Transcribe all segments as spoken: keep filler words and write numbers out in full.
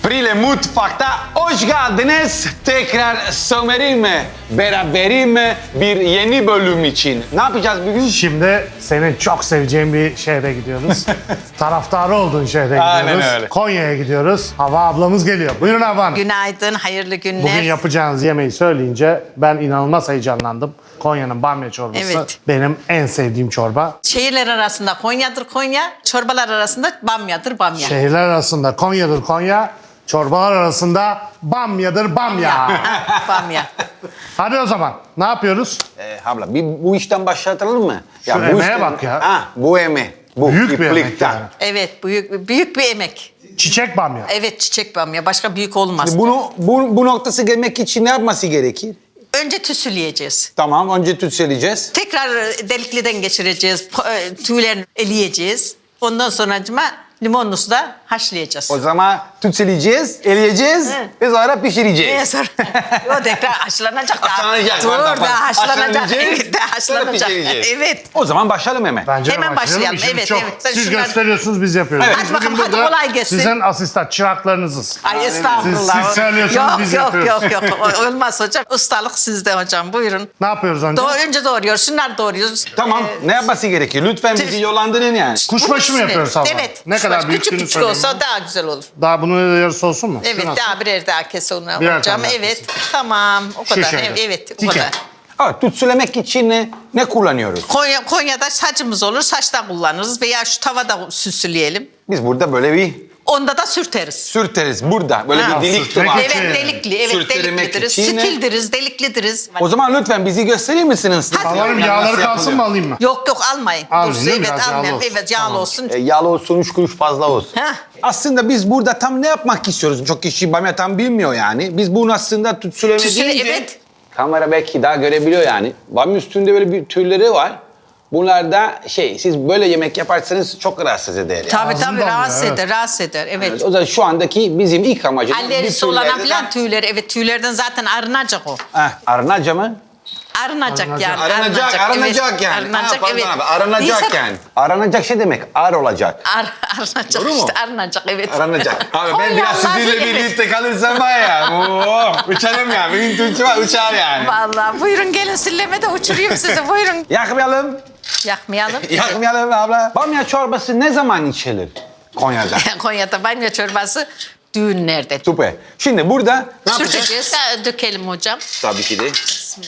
Prile Mutfak'ta hoş geldiniz. Tekrar Somer'im beraberim bir yeni bölüm için. Ne yapacağız bugün? Şimdi senin çok seveceğin bir şehre gidiyoruz. Taraftarı olduğun şehre gidiyoruz. Aynen öyle. Konya'ya gidiyoruz. Hava ablamız geliyor. Buyurun Hava Hanım. Günaydın, hayırlı günler. Bugün yapacağınız yemeği söyleyince ben inanılmaz heyecanlandım. Konya'nın bamya çorbası Evet. benim en sevdiğim çorba. Şehirler arasında Konya'dır Konya, çorbalar arasında Bamya'dır Bamya. Şehirler arasında Konya'dır Konya, çorbalar arasında bamyadır bamya. Ha, Bamya. Hadi o zaman ne yapıyoruz? Ee, abla bir bu işten başlatalım mı? Şu emeğe işten- bak ya. Ha, bu eme. Bu Büyük bir emek iplikten. yani. Evet, büyük büyük bir emek. Çiçek bamya. Evet, çiçek Bamya. Başka büyük olmaz. Bunu bu, bu noktası gelmek için ne yapması gerekir? Önce tüsüleyeceğiz. Tamam, önce tütseleyeceğiz. Tekrar delikliden geçireceğiz. po- e, Tüylerini eleyeceğiz. Ondan sonra limonlu suda haşlayacağız. O zaman tütseleyeceğiz, eleyeceğiz Evet. ve sonra pişireceğiz. Ee, sonra o tekrar haşlanacak. daha. Haşlanacak, Dur, pardon, daha haşlanacak. haşlanacağız, Evet, daha sonra haşlanacak. pişireceğiz. Evet. O zaman başlayalım hemen. Bence de Hemen başlayalım. başlayalım. İşimiz Evet, çok. evet. Sen Siz şunları- gösteriyorsunuz, biz yapıyoruz. Evet. Biz Hadi bakalım, bugün hadi burada kolay gelsin. Sizin asistan çıraklarınızız. Ay estağfurullah. Siz- siz söylüyorsunuz, yok, biz yok, yapıyoruz. Yok yok yok olmaz hocam. Ustalık sizde hocam, buyurun. Ne yapıyoruz önce? Doğru, önce doğruyoruz. Şunları doğruyoruz. Tamam, Ee, ne yapması gerekir? Lütfen tüf- bizi yollandırın yani. Kuşbaşı mı bunun yapıyoruz üstüne- abla? Evet. Ne kuşbaşı. kadar büyüklüğünü Küçük küçük söyleyin olsa bana. daha güzel olur. Daha bunun yarısı olsun mu? Evet, Şu nasıl? daha birer daha kes onu Birer hocam. tane Evet, tamam. O kadar. şöyle. Evet, evet, o Dike. kadar. Evet, tütsülemek için ne, ne kullanıyoruz? Konya, Konya'da saçımız olur, saçta kullanırız veya şu tavada süsleyelim. Biz burada böyle bir Onda da sürteriz. sürteriz burada. Böyle Ha, bir delik sürtmek var. için. Evet, delikli, evet Sürtürmek deliklidiriz. için ne? Stildiririz, deliklidiriz. O zaman lütfen bizi gösterir misiniz? Hadi. Havarım Yani yağları nasıl kalsın mı yapılıyor? alayım mı? Yok yok almayın. Almayın, Dursun, değil mi? evet Biraz yağlı almayın. olsun. Evet yağlı Tamam. olsun. E, yağlı olsun, üç kuruş fazla olsun. Heh. Aslında biz burada tam ne yapmak istiyoruz? Çok kişi bamya tam bilmiyor yani. Biz bunu aslında tütsüleme Tütsüle- deyince... evet. Kamera belki daha görebiliyor yani. Bamya üstünde böyle bir tüyleri var. Bunlar da şey, siz böyle yemek yaparsanız çok rahatsız eder yani. Tabii Ağzından tabii bile, rahatsız evet. eder, rahatsız eder. Evet. O zaman şu andaki bizim ilk amacımız... Alerjisi bir olana tüylerden- falan tüyler, evet tüylerden zaten arınacak o. Heh, arınaca mı? Arınacak Arınacak. yani. Aranacak, aranacak evet. yani. Arınacak, Ha, pardon evet. abi, aranacak Değilse- yani. Aranacak şey demek, ar olacak. Ar, arınacak Doğru mu? işte, arınacak evet. Aranacak. Abi ben biraz Konyalılar sizinle bilir. birlikte kalırsam var ya. Oo, uçarım ya. Benim Türkçe var, uçar yani. Vallahi buyurun gelin silleme de uçurayım sizi buyurun. Yakmayalım. Yakmayalım. Yakmayalım abla. Bamya çorbası ne zaman içilir Konya'da? Konya'da bamya çorbası düğünlerde. Süper. Şimdi burada ne yapacağız? Sürteceğiz, ha, dökelim hocam. Tabii ki de.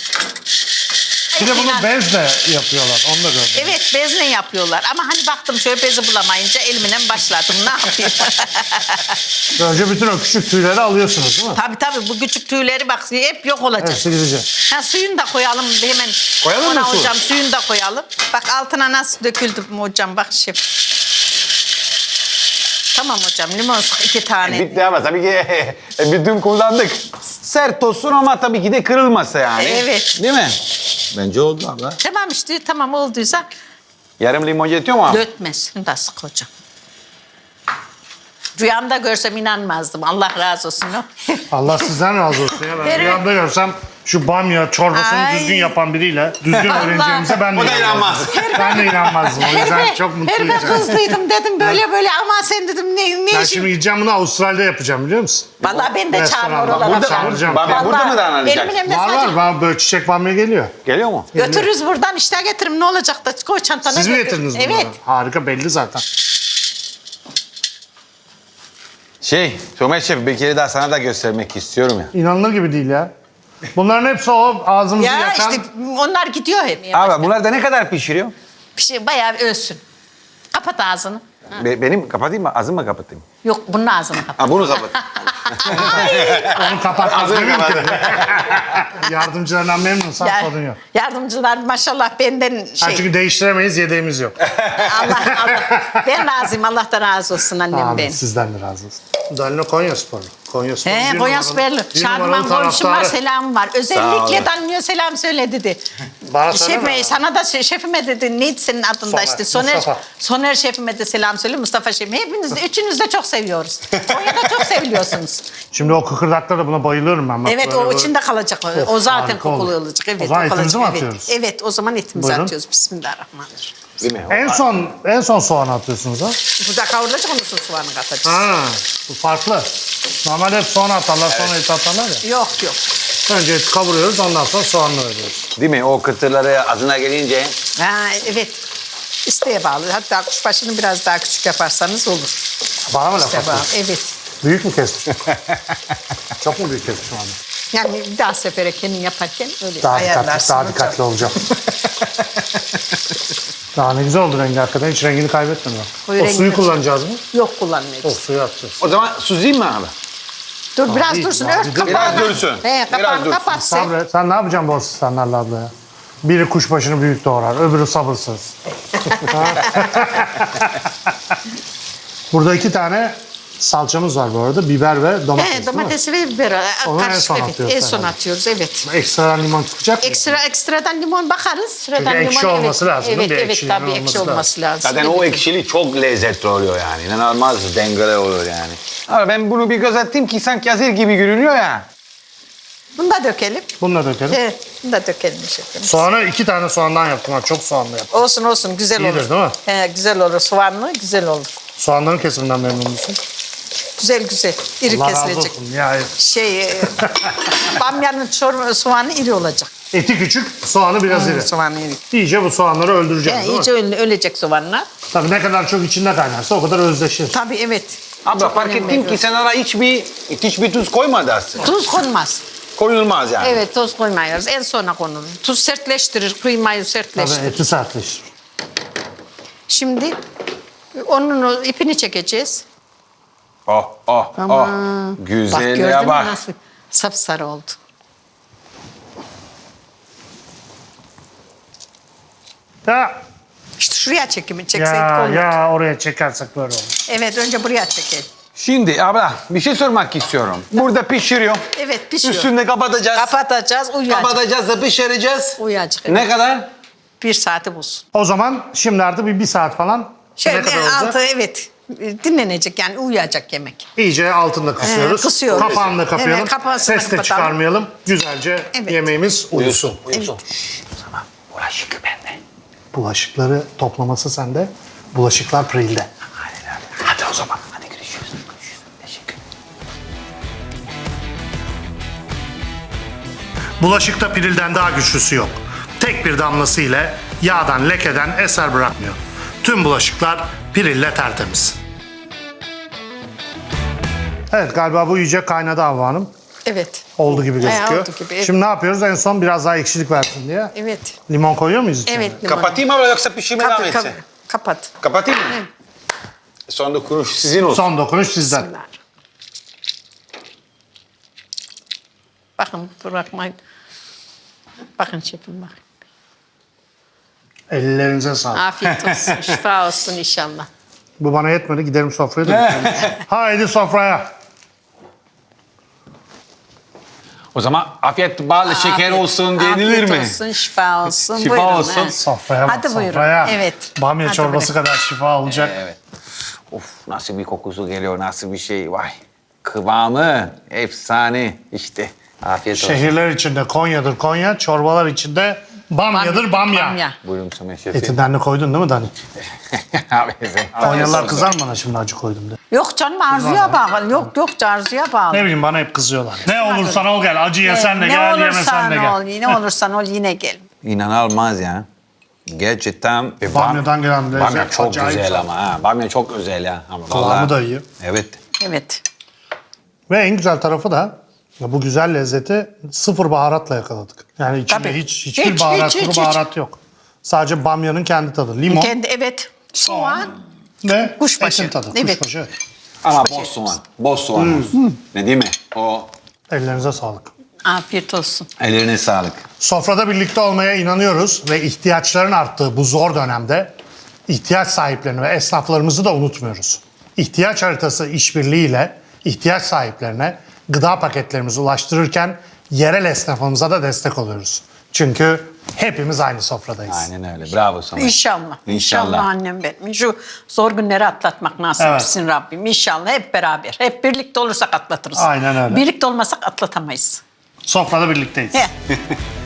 Bir de bunu İnan- bezle yapıyorlar. Onu da gördüm. Evet bezle yapıyorlar ama hani baktım şöyle bezi bulamayınca elimle başladım ne yapayım. Önce bütün o küçük tüyleri alıyorsunuz değil mi? Tabii tabii bu küçük tüyleri bak hep yok olacak. Hepsi gidecek. Ha, suyunu da koyalım hemen. Koyalım mı Ona su? hocam suyunu da koyalım. Bak altına nasıl döküldü mü hocam bak şef. Tamam hocam limon sık iki tane. Bitti ama tabii ki e, bütün kullandık. Sert olsun ama tabii ki de kırılmasa yani. Evet. Değil mi? Bence oldu abla. Tamam işte tamam olduysa Yarım limon yetiyor mu? dökmez. Şunu da sık hocam. Rüyamda görsem inanmazdım. Allah razı olsun. o. Allah sizden razı olsun ya. Ben Evet. rüyamda görsem şu bamya çorbasını Ay. düzgün yapan biriyle düzgün Allah. öğreneceğimize ben de O da inanmaz. Ben de inanmazdım. O yüzden Herife, çok mutluyum. herife kızdıydım dedim böyle böyle ama sen dedim ne, ne Ben işin? şimdi gideceğim bunu Avustralya'da yapacağım biliyor musun? Vallahi ben de çağırma Restoranda. oralara. Burada falan. çağıracağım. Bamya burada mı Vallahi davranacak? benim elimde Var sadece- var. Bana böyle çiçek bamya geliyor. Geliyor mu? Götürürüz buradan işte getirin ne olacak da koy çantana Siz mi götür. getirdiniz bunları? Evet. Harika belli zaten. Şey, Somer Şef bir kere daha sana da göstermek istiyorum ya. İnanılır gibi değil ya. Bunların hepsi o ağzımızı Ya yakan... işte onlar gidiyor hep. Abi bunlar da ne kadar pişiriyor? Bir şey bayağı ölsün. Kapat ağzını. Be- benim kapatayım mı? Ağzımı mı kapatayım? Yok bunun ağzını kapat. Ha bunu kapat. Onu kapatmaz Ağzını değil mi kapat. ki? Yardımcılarından memnunsan Ya- sorun yok. Yardımcılar maşallah benden Ha, şey. çünkü değiştiremeyiz, yedeğimiz yok. Allah, Allah. Ben razıyım. Allah da razı olsun annem Amin, ben. sizden de razı olsun. Danilo Konya Sporlu. Konya Sporlu. He, bir Konya numaralı- Sperli. bir Şadıman numaralı komşum var, taraftarı. selam var. Sağ Özellikle olun. Danilo selam söyle dedi. Bana söyleme. Şefime, sana da şe- şefime dedi. Neydi senin adın da Soner, işte? Soner, Mustafa. Soner şefime de selam söyle. Mustafa şefime. Hepiniz de, üçünüz de çok seviyoruz. Konya'da çok seviliyorsunuz. Şimdi o kıkırdaklara buna bayılıyorum ben. Bak Evet böyle o böyle. içinde kalacak. O, o Of, zaten harika kokulu olur. olacak. Evet, O zaman kalacak. etimizi mi Evet. atıyoruz? Evet o zaman etimizi Buyurun. atıyoruz. Bismillahirrahmanirrahim. Değil mi? En son en son soğan atıyorsunuz ha? Bu da kavrulacak ondan sonra soğanı katacağız. Ha, bu farklı. Normalde hep soğan atarlar, sonra et atarlar ya. Yok yok. Önce eti kavuruyoruz, ondan sonra soğanla veriyoruz. Değil mi? O kıtırları ağzına gelince Ha, evet. İsteğe bağlı. Hatta kuşbaşını biraz daha küçük yaparsanız olur. Bana mı laf İsteğe bağlı. atıyorsun? Evet. Büyük mü kesmişim? Çok mu büyük kesmişim abi? Yani bir daha sefere kendin yaparken öyle Daha dikkatli, ayarlarsın. daha hocam. dikkatli olacağım. Daha ne güzel oldu rengi hakikaten. Hiç rengini kaybetmiyor. Koyu O rengi suyu de- kullanacağız mı? Yok kullanmayacağız. O suyu atacağız. o zaman süzeyim mi abi? Dur biraz değil, dursun. daha Ört bir dur. kapağını. Biraz dursun. He, kapağını Biraz dursun. kapat sen. Sabret. Sen ne yapacaksın bu asistanlarla abla ya? Biri kuşbaşını büyük doğrar, öbürü sabırsız. Burada iki tane salçamız var bu arada. Biber ve domates, He, domatesi ve biber. Onu en Karışık, son evet. atıyoruz En son herhalde. atıyoruz evet. değil mi? Ekstradan limon çıkacak mı? Ekstra ekstradan limon bakarız. Sıradan ekşi limon, olması evet. lazım, değil mi? Evet Bir evet ekşiliğinin tabii ekşi olması olması lazım. Zaten evet. o ekşili çok lezzetli oluyor yani. İnanılmaz dengeli olur yani. Ama ben bunu bir göz attım ki sanki hazır gibi görünüyor ya. Bunu da dökelim. Bunu da dökelim. Evet, bunu da dökelim şefim. Soğanı iki tane soğandan yaptım. Ha, çok soğanlı yaptım. Olsun olsun güzel İyidir, olur. değil mi? He, güzel olur soğanlı güzel olur. Soğanların kesiminden memnun musun? Güzel güzel iri Allah razı kesilecek. olsun. Ya, Şey e, bamyanın çorba soğanı iri olacak. eti küçük, soğanı biraz iri. Soğanı iri. İyice bu soğanları öldüreceğiz Yani değil iyice mi? öle- ölecek soğanlar. Tabii ne kadar çok içinde kaynarsa o kadar özdeşir. Tabii evet. Abla Çok fark önem ettim ki veriyoruz. sen ara hiçbir, hiçbir tuz koymadı aslında. Tuz konmaz. Koyulmaz yani. Evet tuz koymuyoruz. En sona konulur. Tuz sertleştirir, kıymayı Tabii sertleştirir. eti sertleşir. Şimdi onun o ipini çekeceğiz. Oh oh Ama oh. bak Güzelliğe gördün mü bak. nasıl sapsarı oldu. Ya, İşte şuraya çekimi çekseydik ya, olur. ya oraya çekersek böyle olur. Evet önce buraya çekelim. Şimdi abla bir şey sormak istiyorum. Burada pişiriyor. Evet pişiyor. Üstünde kapatacağız. Kapatacağız uyuyacak. Kapatacağız da pişireceğiz. Uyuyacak. Ne kadar? Bir saati bulsun. O zaman şimdi artık bir, bir saat falan Şöyle ne kadar olacak? altı evet dinlenecek yani uyuyacak yemek. İyice altında kısıyoruz. Ee, kısıyoruz. Kapağını da kapayalım. Evet, kapağını Ses de kapatalım. çıkarmayalım. Güzelce Evet. yemeğimiz uyusun. Uyusun. Şşş, o zaman bulaşık bende. Bulaşıkları toplaması sende. Bulaşıklar Pril'de. Hadi, hadi. Hadi o zaman. Hadi görüşürüz. Görüşürüz. Teşekkür Bulaşıkta Pril'den daha güçlüsü yok. Tek bir damlası ile yağdan lekeden eser bırakmıyor. Tüm bulaşıklar Pril'le tertemiz. Evet galiba bu iyice kaynadı Havva Hanım. Evet. Oldu gibi gözüküyor. oldu gibi, evet. Şimdi ne yapıyoruz? En son biraz daha ekşilik versin diye. Evet. Limon koyuyor muyuz içine? Evet. limon. Kapatayım abla yoksa pişirme devam Kapat, etsin? kapat. Kapat. Kapatayım mı? Evet. Son dokunuş sizin olsun. Son dokunuş sizden. Bismillah. Bakın bırakmayın. Bakın şefim bak. Ellerinize sağlık. Afiyet olsun. Şifa olsun inşallah. Bu bana yetmedi. Giderim sofraya da bitirelim. Haydi sofraya. O zaman afiyet bal şeker Afiyet- olsun denilir afiyet mi? olsun, şifa olsun. Şifa Buyurun, olsun. he. Sofraya bak Hadi buyurun. sofraya. Evet. Bamya Hadi çorbası buyurun. kadar şifa olacak. Evet. Of nasıl bir kokusu geliyor, nasıl bir şey. Vay. Kıvamı efsane işte. Afiyet olsun. Şehirler içinde Konya'dır Konya, çorbalar içinde Bamya'dır Bamya. Bamya. Buyurun Samet şefim. Etinden de koydun değil mi Dani? Abi sen- Konyalılar kızar mı bana şimdi acı koydum diye. Yok canım arzuya bağlı. Yok yok arzuya bağlı. Ne bileyim bana hep kızıyorlar. Ne olursan ol gel. Acı yesen de ne gel, olursan yemesen de gel. ol, ne olursan ol yine gel. İnanılmaz ya. Gerçekten. Ve Bamya'dan gelen lezzet Bamya çok acayip güzel tadı. ama ha. Bamya çok güzel ya. Ama Kıvamı vallahi- da iyi. Evet. Evet. Ve en güzel tarafı da ya bu güzel lezzeti sıfır baharatla yakaladık. Yani içinde Tabii. hiç hiçbir Hiç, baharat, hiç, kuru hiç, baharat yok. Sadece bamyanın kendi tadı. Limon Kendi evet. Soğan. ve Kuşbaşı. etin tadı. Evet. Kuşbaşı. evet. Ama boz soğan. Boz soğan olsun. Ne değil mi? O Ellerinize sağlık. Afiyet olsun. ellerine sağlık. Sofrada birlikte olmaya inanıyoruz ve ihtiyaçların arttığı bu zor dönemde ihtiyaç sahiplerini ve esnaflarımızı da unutmuyoruz. İhtiyaç haritası işbirliğiyle ihtiyaç sahiplerine gıda paketlerimizi ulaştırırken yerel esnafımıza da destek oluyoruz. Çünkü hepimiz aynı sofradayız. Aynen öyle. Bravo sana. İnşallah. İnşallah. annem benim. Şu zor günleri atlatmak nasip Evet. etsin Rabbim. İnşallah hep beraber. Hep birlikte olursak atlatırız. Aynen öyle. Birlikte olmasak atlatamayız. Sofrada birlikteyiz. He.